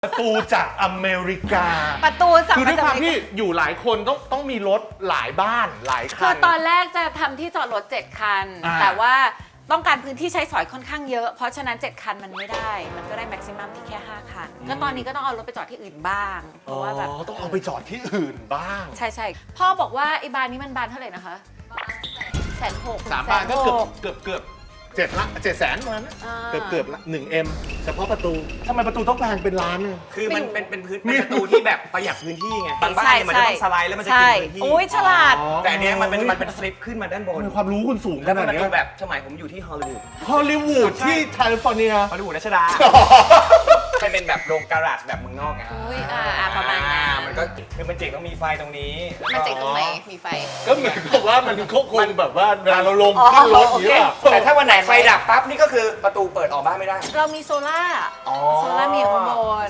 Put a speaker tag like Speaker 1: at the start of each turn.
Speaker 1: ประตูจากอเมริกา
Speaker 2: ประตูสั่ง
Speaker 1: คือด้วยความที่
Speaker 2: มาจาก
Speaker 1: อยู่หลายคนต้องมีรถหลายบ้านหลาย
Speaker 2: คื
Speaker 1: คั
Speaker 2: อน ตอนแรกจะทำที่จอดรถ 7 คัน
Speaker 1: อ่า
Speaker 2: แต่ว่าต้องการพื้นที่ใช้สอยค่อนข้างเยอะ เพราะฉะนั้น 7 คันมันไม่ได้ มันก็ได้แม็กซิมัมที่แค่ 5 คัน ก็ตอนนี้ก็ต้องเอารถไปจอดที่อื่นบ้าง เพราะว่าแบบ
Speaker 1: ต้องเอาไปจอดที่อื่นบ้าง
Speaker 2: ใช่พ่อบอกว่าไอ้บานนี้มันบานเท่าไหร่นะคะ160,000
Speaker 1: สามบานก็เกือบ700,000ประมาณนั้น
Speaker 2: อ่า
Speaker 1: เกือบละ1M เฉพาะประตูทำไมประตูต้องแพงเป็นล้านเนี่ย
Speaker 3: คือมัน
Speaker 2: ไม่รู้
Speaker 3: เป็นประตูที่แบบประหยัดพื้นที่ไงบางบ้านเนี่ยมันจะต้องสไลด์แล้วมันจะกินพื้นที่
Speaker 2: โอ้ยฉลาด
Speaker 3: แต่อันเนี้ยมันเป็นฟลิปขึ้นมาด้านบน
Speaker 1: มีความรู้คุณสูงข
Speaker 3: แล้ว
Speaker 1: นาด
Speaker 3: มัน
Speaker 1: เนี้
Speaker 3: ดู
Speaker 1: ย
Speaker 3: แบบสมัยผมอยู่ที่ฮอลลีวูด
Speaker 1: ฮอลลีวูดที่แคลิฟอร์เนีย
Speaker 3: ฮอลลีวูดรัชดามันเป็นแบบโรงการาจแบบเมืองนอกไง
Speaker 2: อุ้ยประมาณนั้น
Speaker 3: มันก็คือมันเจ๋งต้องมีไฟตรงนี้
Speaker 2: มันเจ๋งตรงไหนมีไฟ
Speaker 1: ก็เหมือนกับว่ามันก็คงแบบว่าเวลาเราลง
Speaker 2: อ๋อ
Speaker 1: ขึ้นรถอย่างเงี้ย
Speaker 3: แต่ถ้าวันไหนไฟดับปั๊บนี่ก็คือประตูเปิดออกบ้านไม่ได้
Speaker 2: เรามีโซล่า
Speaker 3: อ๋อ
Speaker 2: โซล่ามีอยู่ข้างบน